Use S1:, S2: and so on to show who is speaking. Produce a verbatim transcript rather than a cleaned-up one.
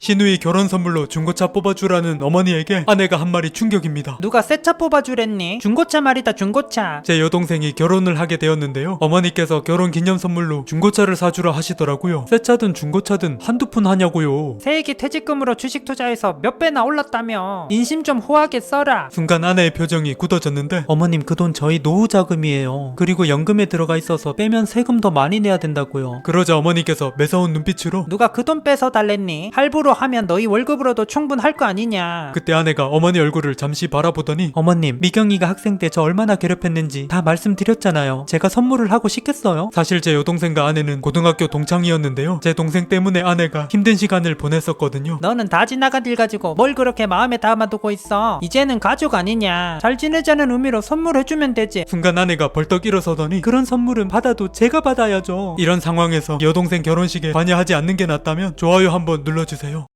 S1: 시누이 결혼 선물로 중고차 뽑아주라는 어머니에게 아내가 한 말이 충격입니다.
S2: 누가 새 차 뽑아주랬니? 중고차 말이다, 중고차.
S1: 제 여동생이 결혼을 하게 되었는데요. 어머니께서 결혼 기념 선물로 중고차를 사주라 하시더라고요. 새 차든 중고차든 한두 푼 하냐고요.
S2: 새해기 퇴직금으로 주식 투자해서 몇 배나 올랐다며. 인심 좀 호하게 써라.
S1: 순간 아내의 표정이 굳어졌는데, 어머님 그 돈 저희 노후 자금이에요. 그리고 연금에 들어가 있어서 빼면 세금 더 많이 내야 된다고요. 그러자 어머니께서 매서운 눈빛으로
S2: 누가 그 돈 뺏어 달랬니? 할부로 하면 너희 월급으로도 충분할 거 아니냐.
S1: 그때 아내가 어머니 얼굴을 잠시 바라보더니, 어머님 미경이가 학생 때 저 얼마나 괴롭혔는지 다 말씀드렸잖아요. 제가 선물을 하고 싶겠어요? 사실 제 여동생과 아내는 고등학교 동창이었는데요. 제 동생 때문에 아내가 힘든 시간을 보냈었거든요.
S2: 너는 다 지나간 일 가지고 뭘 그렇게 마음에 담아두고 있어? 이제는 가족 아니냐. 잘 지내자는 의미로 선물해주면 되지.
S1: 순간 아내가 벌떡 일어서더니, 그런 선물은 받아도 제가 받아야죠. 이런 상황에서 여동생 결혼식에 관여하지 않는 게 낫다면 좋아요 한번 눌러주세요.